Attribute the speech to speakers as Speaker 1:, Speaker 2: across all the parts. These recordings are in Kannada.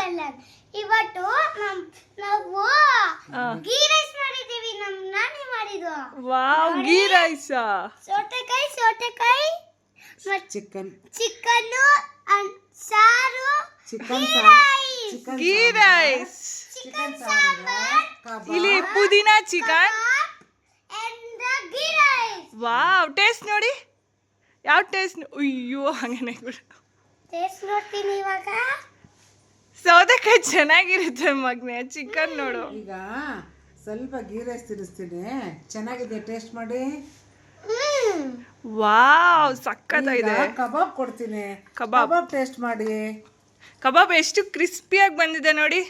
Speaker 1: ಚಾನಲ್. ಇವತ್ತು ನಾವು ಗೀ ರೈಸ್ ಮಾಡಿದೀವಿ. ನಾನೇ ಮಾಡಿದ್ದು.
Speaker 2: Wow, ghee rice.
Speaker 1: ಸೌತೆಕಾಯಿ
Speaker 3: ಚಿಕನ್
Speaker 1: ಸಾರು,
Speaker 2: ಗೀ ರೈಸ್.
Speaker 1: ಚಿಕನ್ ಸಾಂಬಾರ್,
Speaker 2: ಇಲ್ಲಿ ಪುದೀನಾ chicken.
Speaker 1: and ghee rice.
Speaker 2: Wow, taste ನೋಡಿ. ಯಾವ ಟೇಸ್ಟ್? ಅಯ್ಯೋ, ಹಂಗನೆ
Speaker 1: ಟೇಸ್ಟ್ ನೋಡ್ತೀನಿ ಇವಾಗ.
Speaker 2: ಸೌತೆಕಾಯಿ ಚೆನ್ನಾಗಿರುತ್ತೆ ಮಗ್ನೆ. ಚಿಕನ್ ನೋಡು.
Speaker 3: ಈಗ ಸ್ವಲ್ಪ ಗೀ ರೈಸ್ ತಿನ್ನಿಸ್ತೀನಿ, ಚೆನ್ನಾಗಿದೆ, ಟೇಸ್ಟ್ ಮಾಡಿ.
Speaker 2: ವಾವ್, ಸಕ್ಕತ್ತಾಗಿದೆ.
Speaker 3: ಕಬಾಬ್ ಕೊಡ್ತೀನಿ,
Speaker 2: ಕಬಾಬ್
Speaker 3: ಟೇಸ್ಟ್ ಮಾಡಿ.
Speaker 2: ಕಬಾಬ್ ಎಷ್ಟು ಕ್ರಿಸ್ಪಿಯಾಗಿ ಬಂದಿದೆ ನೋಡಿ.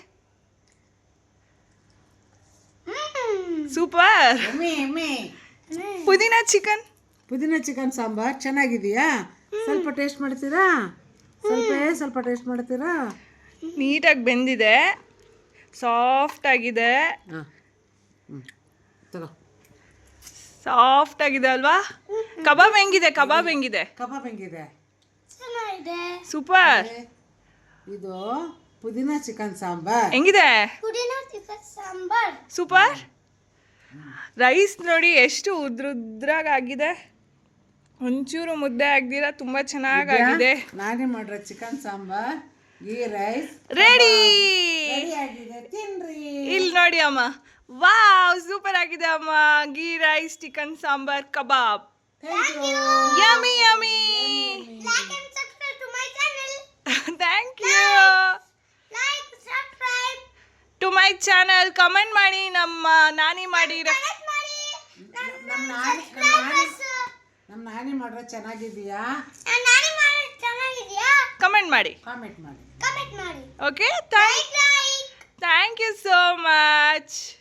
Speaker 2: ಸೂಪರ್. ಪುದೀನಾ ಚಿಕನ್
Speaker 3: ಸಾಂಬಾರ್ ಚೆನ್ನಾಗಿದೆಯಾ? ಸ್ವಲ್ಪ ಟೇಸ್ಟ್ ಮಾಡ್ತೀರಾ? ಸ್ವಲ್ಪ ಟೇಸ್ಟ್ ಮಾಡ್ತೀರಾ?
Speaker 2: ನೀಟಾಗಿ ಬೆಂದಿದೆ, ಸಾಫ್ಟ್ ಆಗಿದೆ.
Speaker 3: ತಗೋ,
Speaker 2: ಸಾಫ್ಟ್ ಆಗಿದೆ ಅಲ್ವಾ? ಕಬಾಬ್ ಹೆಂಗಿದೆ?
Speaker 3: ಕಬಾಬ್ ಹೆಂಗಿದೆ?
Speaker 1: ಚೆನ್ನಾಗಿದೆ.
Speaker 2: ಸೂಪರ್.
Speaker 3: ಇದು ಪುದೀನಾ ಚಿಕನ್ ಸಾಂಬಾರ್
Speaker 2: ಹೆಂಗಿದೆ?
Speaker 1: ಪುದೀನಾ ಚಿಕನ್ ಸಾಂಬಾರ್
Speaker 2: ಸೂಪರ್. ರೈಸ್ ನೋಡಿ ಎಷ್ಟು ಉದ್ರಾಗಿದೆ, ಒಂಚೂರು ಮುದ್ದೆ ಆಗ್ದಿರ ತುಂಬಾ ಚೆನ್ನಾಗಿದೆ.
Speaker 3: ನಾನೇ ಮಾಡಿರೋ chicken sambar ghee rice
Speaker 2: ready
Speaker 3: ಆಗಿದೆ, ತಿನ್ರಿ.
Speaker 2: ಇಲ್ಲಿ ನೋಡಿ ಅಮ್ಮ. ವಾವ್, ಸೂಪರ್ ಆಗಿದೆ ಅಮ್ಮ. Ghee rice, chicken sambar, kebab. Yummy yummy.
Speaker 1: like and subscribe to my channel.
Speaker 2: Thank you.
Speaker 1: Like, subscribe,
Speaker 2: to my channel. Comment ಮಾಡಿ, ನಮ್ಮ ನಾನಿ ಮಾಡಿ.
Speaker 1: connect ಮಾಡಿ.
Speaker 3: ನಮ್ಮ ನಾನಿ ಮಾಡ್ರೆ ಚೆನ್ನಾಗಿದೆಯಾ?
Speaker 1: ನಾನೇ ಮಾಡೋದು ಚೆನ್ನಾಗಿದೆಯಾ?
Speaker 2: ಕಮೆಂಟ್ ಮಾಡಿ.
Speaker 3: ಕಾಮೆಂಟ್ ಮಾಡಿ.
Speaker 2: Okay,
Speaker 1: Like.
Speaker 2: Thank you so much.